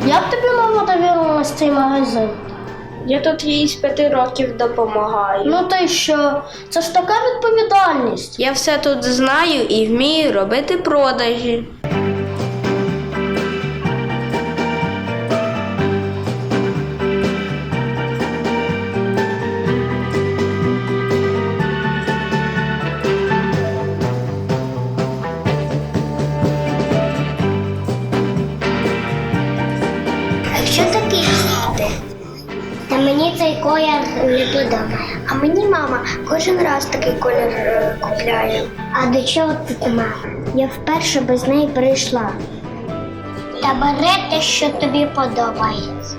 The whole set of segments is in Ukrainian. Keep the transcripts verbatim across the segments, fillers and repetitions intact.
Як тобі мама довірила цей магазин? Я тут їй з п'яти років допомагаю. Ну та й що? Це ж така відповідальність. Я все тут знаю і вмію робити продажі. Що таке їсти? Та мені цей колір не подобає. А мені мама кожен раз такий колір е, купляє. А до чого тут мама? Я вперше без неї прийшла. Та бери те, що тобі подобається.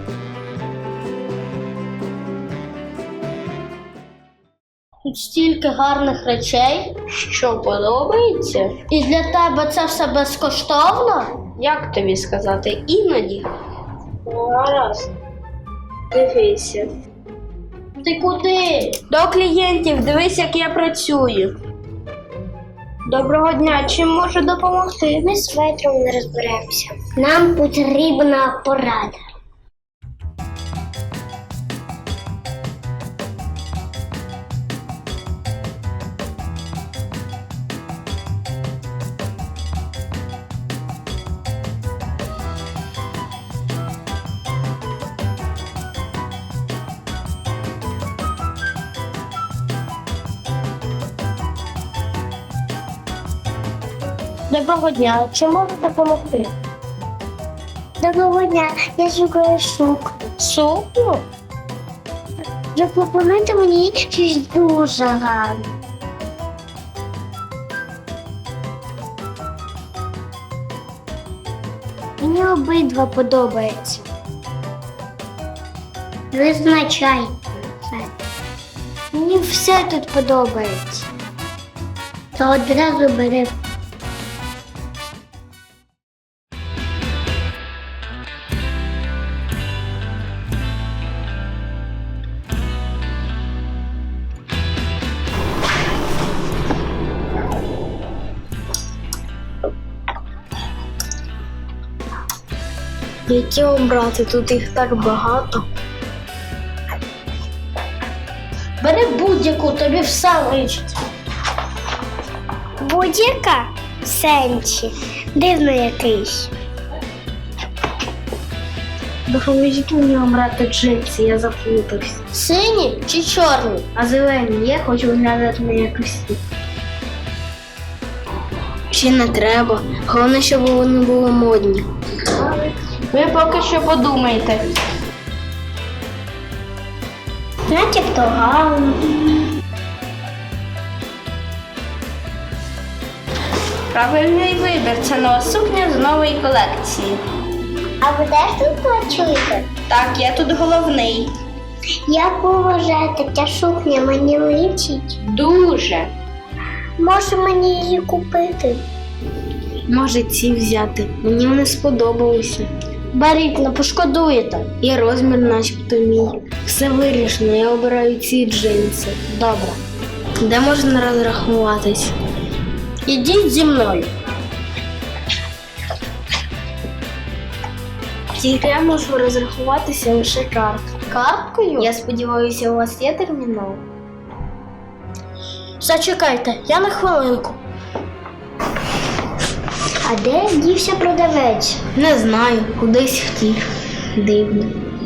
Тут стільки гарних речей. Що подобається? І для тебе це все безкоштовно? Як тобі сказати? Іноді. Гаразд. Дивися. Ти куди? До клієнтів, дивись, як я працюю. Доброго дня, чим можу допомогти? Ми з ветром не розберемося. Нам потрібна порада. Доброго дня, чи можу допомогти? Доброго дня, я шукаю сукню. Сукню? Запропонуйте мені щось дуже гарне. Мені обидва подобаються. Визначайте це. Мені все тут подобається. То одразу бери. Які обрати? Тут їх так багато. Бери будь-яку, тобі все личить. Будь-яка в сенсі. Дивно якийсь. Допоможіть мені обрати джинси, я заплутався. Сині чи чорні? А зелені є, хочу виглядати на якось. Чи не треба? Головне, щоб вони були модні. Ви поки що подумайте. Начебто гарно. Правильний вибір. Це нова сукня з нової колекції. А ви теж тут працюєте? Так, я тут головний. Як ви вважаєте, ця сукня мені личить? Дуже. Може мені її купити? Може ці взяти. Мені вони сподобалися. Беріть, не пошкодуєте. І розмір начебто мій. Все вирішено, я обираю ці джинси. Добре. Де можна розрахуватись? Ідіть зі мною. Тільки я можу розрахуватися лише карткою. Карткою? Я сподіваюся, у вас є термінал? Зачекайте, я на хвилинку. А де дівся продавець? Не знаю, кудись втік. Дивно.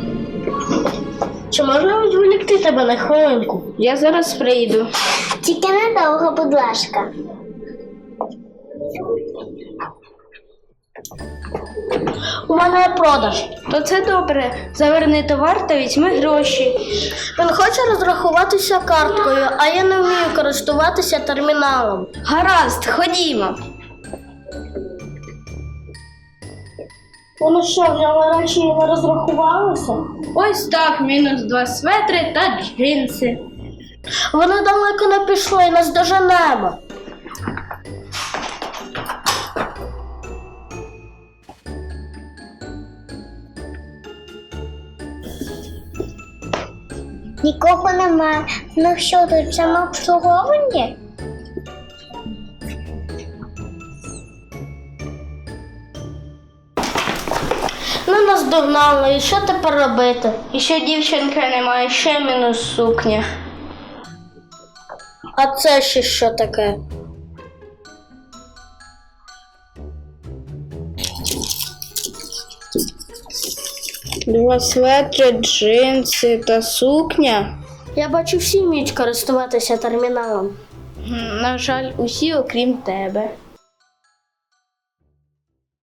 Чи можна відволікти тебе на хвилинку? Я зараз прийду. Тільки недовго, будь ласка. У мене є продаж. То це добре. Заверни товар та візьми гроші. Він хоче розрахуватися карткою, а я не вмію користуватися терміналом. Гаразд, ходімо. Вони що, взяли речі і не розрахувалися? Ось так, мінус два светри та джинси. Вони далеко не пішли, нас доженемо. Нікого немає. Ну що тут, самообслуговування? Ну, нас догнали, і що тепер робити? І що дівчинка немає, ще мінус сукня. А це ще що таке? Два светри, джинси та сукня. Я бачу, всі вміють користуватися терміналом. На жаль, усі, окрім тебе.